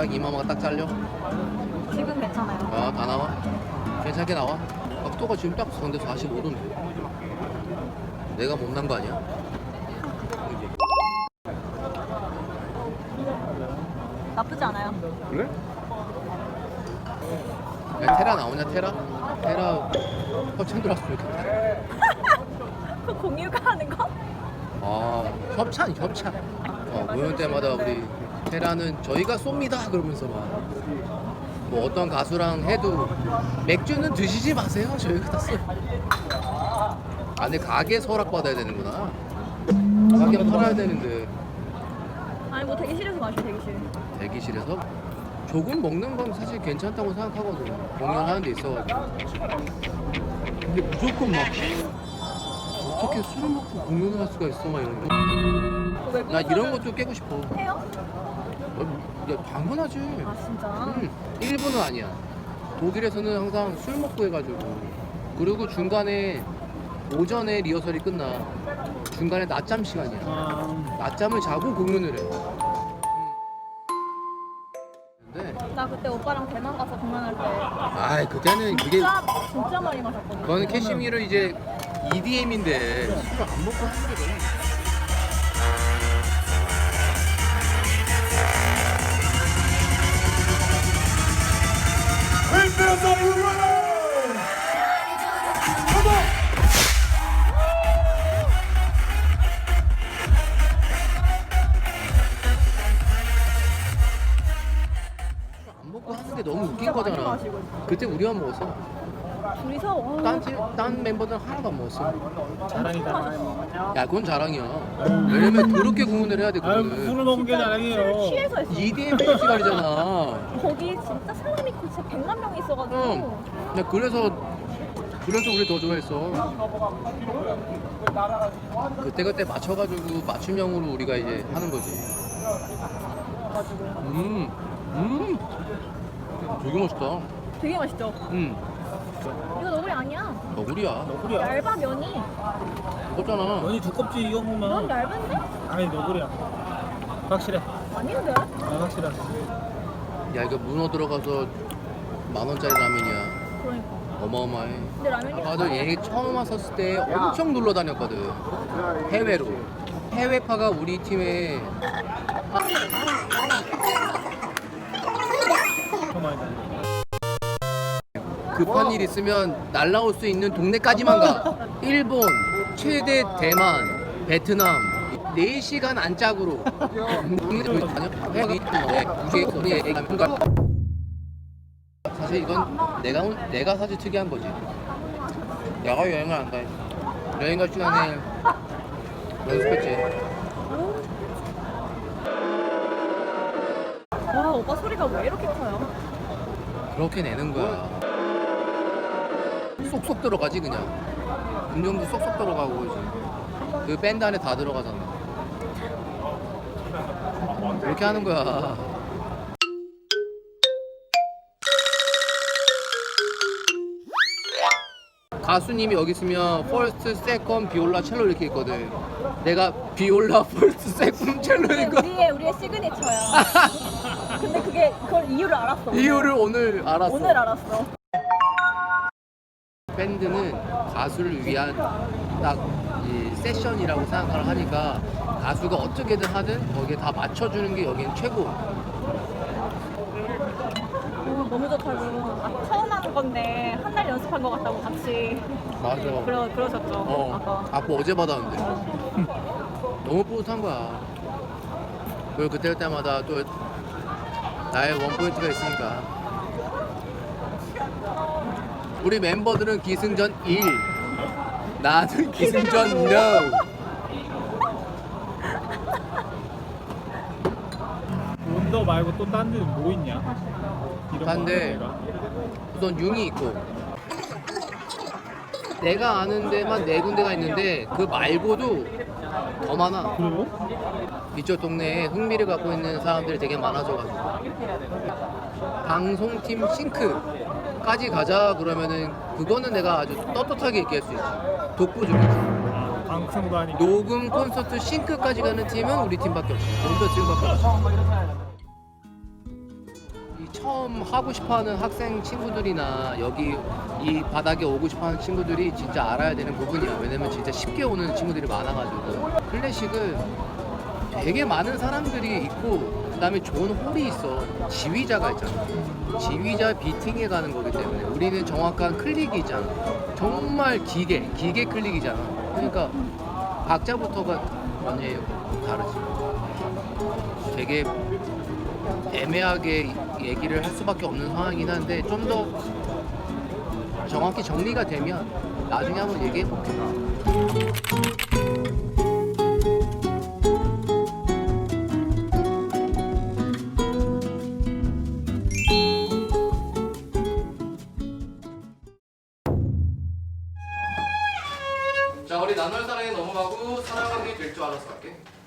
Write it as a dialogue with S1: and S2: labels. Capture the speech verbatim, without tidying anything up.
S1: 딱 이마마가 딱 잘려.
S2: 지금 괜찮아요.
S1: 아, 다 나와. 괜찮게 나와. 각도가 지금 딱 근데 사십오 도인데. 내가 못난 거 아니야?
S2: 나쁘지 않아요.
S1: 그래? 야, 테라 나오냐 테라? 테라 협찬 들어왔으면 좋겠다.
S2: 그 공유가 하는 거?
S1: 아 협찬 협찬. 어, 모임 때마다 우리 테라는 저희가 쏩니다 그러면서 막 뭐 어떤 가수랑 해도 맥주는 드시지 마세요 저희가 다 써. 아 근데 가게 서락 받아야 되는구나. 가게 팔아야 되는데
S2: 아니 뭐 대기실에서 마셔 대기실.
S1: 대기실에서 조금 먹는 건 사실 괜찮다고 생각하거든. 공연하는 데 있어가지고. 근데 무조건 막 어떻게 술을 먹고 공연을 할 수가 있어 막 이런 거. 나 이런 것도 깨고 싶어.
S2: 해요?
S1: 어, 야, 당연하지.
S2: 아 진짜?
S1: 응. 일본은 아니야. 독일에서는 항상 술 먹고 해가지고. 그리고 중간에 오전에 리허설이 끝나. 중간에 낮잠 시간이야.
S3: 아,
S1: 낮잠을 자고 공연을 해. 근데
S2: 나 그때 오빠랑 대만 가서 공연할 때
S1: 아이 그때는 그게
S2: 진짜 진짜 많이 마셨거든.
S1: 그거는 캐시미르 이제 이디엠인데 술을 안 먹고 하는 게 너무 안 먹고 하는 게 너무 웃긴
S2: 진짜 많이
S1: 거잖아.
S2: 마시고 있어.
S1: 그때 우리만 먹었어.
S2: 둘이서 와.
S1: 딴, 팀, 딴 멤버들은 하나도 안 먹었어.
S3: 자랑이다.
S1: 야 그건 자랑이야. 왜냐면 그렇게 공연을 해야 돼.
S3: 아유,
S1: 그거는
S3: 술을 먹은 게 자랑이에요.
S2: 취해서 했어.
S1: 이디엠 페스티벌이잖아.
S2: 거기 진짜 사람이 진짜 백만 명이 있어가지고.
S1: 응. 야 그래서 그래서 우리 더 좋아했어. 그때 그때 맞춰가지고 맞춤형으로 우리가 이제 하는 거지. 음, 음, 되게 멋있다.
S2: 되게 맛있죠?
S1: 음,
S2: 이거 너구리 아니야.
S1: 너구리야.
S3: 너구리야.
S2: 얇아 면이.
S1: 무겁잖아.
S3: 면이 두껍지 이거
S2: 면
S3: 보면.
S2: 얇은데?
S3: 아니 너구리야. 확실해.
S2: 아닌데?
S3: 아, 확실해.
S1: 야 이거 문어 들어가서 만 원짜리 라면이야.
S2: 그러니까.
S1: 어마어마해.
S2: 근데 라면이
S1: 나도 얘 처음 왔었을 때 엄청 놀러 다녔거든. 해외로. 해외파가 우리 팀에
S3: 엄청 많이 다녀.
S1: 급한 일 있으면 날라올 수 있는 동네까지만 가. 일본, 최대 대만, 베트남 네 시간 안짝으로 사실 이건 내가 온- 내가 사실 특이한 거지. 야가 여행을 안 가. 여행 갈 시간에 연습했지.
S2: 와 오빠 소리가 왜 이렇게 커요?
S1: 그렇게 내는 거야. 쏙쏙 들어가지 그냥. 음정도 쏙쏙 들어가고 그지. 그 밴드 안에 다 들어가잖아. 그렇게 하는 거야. 가수님이 여기 있으면 퍼스트, 세컨, 비올라, 첼로 이렇게 있거든. 내가 비올라, 퍼스트, 세컨, 첼로니까
S2: 우리의 우리의 시그니처야. 근데 그게 그걸 이유를 알았어. 오늘.
S1: 이유를 오늘 알았어.
S2: 오늘 알았어.
S1: 밴드는 가수를 위한 딱 이 세션이라고 생각을 하니까 가수가 어떻게든 하든 거기에 다 맞춰주는 게 여기는 최고.
S2: 오, 너무 좋다고. 아, 처음 하는 건데 한 달 연습한 것 같다고 같이
S1: 맞아.
S2: 그러 그러셨죠.
S1: 어,
S2: 아까.
S1: 악보 어제 받았는데 너무 뿌듯한 거야. 그리고 그때 때마다 또 나의 원 포인트가 있으니까. 우리 멤버들은 기승전 일, 나는 기승전 no.
S3: 온더 말고 또 딴 데는 뭐 있냐? 이런
S1: 딴 데.
S3: 거 하는
S1: 우선 융이 있고 내가 아는 데만 네 군데가 있는데 그 말고도 더 많아.
S3: 데가. 그래요?
S1: 이쪽 동네에 흥미를 갖고 있는 사람들이 되게 많아져가지고 방송팀 싱크까지 가자 그러면은 그거는 내가 아주 떳떳하게 얘기할 수 있지. 독보적이지.
S3: 아, 방송도 하니까.
S1: 녹음 콘서트 싱크까지 가는 팀은 우리 팀밖에 없어. 온더 팀밖에 없어. 처음 하고 싶어하는 학생 친구들이나 여기 이 바닥에 오고 싶어하는 친구들이 진짜 알아야 되는 부분이야. 왜냐면 진짜 쉽게 오는 친구들이 많아가지고 클래식은 되게 많은 사람들이 있고 그다음에 좋은 홀이 있어. 지휘자가 있잖아. 지휘자 비팅에 가는 거기 때문에 우리는 정확한 클릭이잖아. 정말 기계, 기계 클릭이잖아. 그러니까 박자부터가 완전히 다르지. 되게 애매하게 얘기를 할 수밖에 없는 상황이긴 한데 좀 더 정확히 정리가 되면 나중에 한번 얘기해 볼게. 자, 우리 나눌 사랑에 넘어가고 사랑하게 될 줄 알아서 갈게.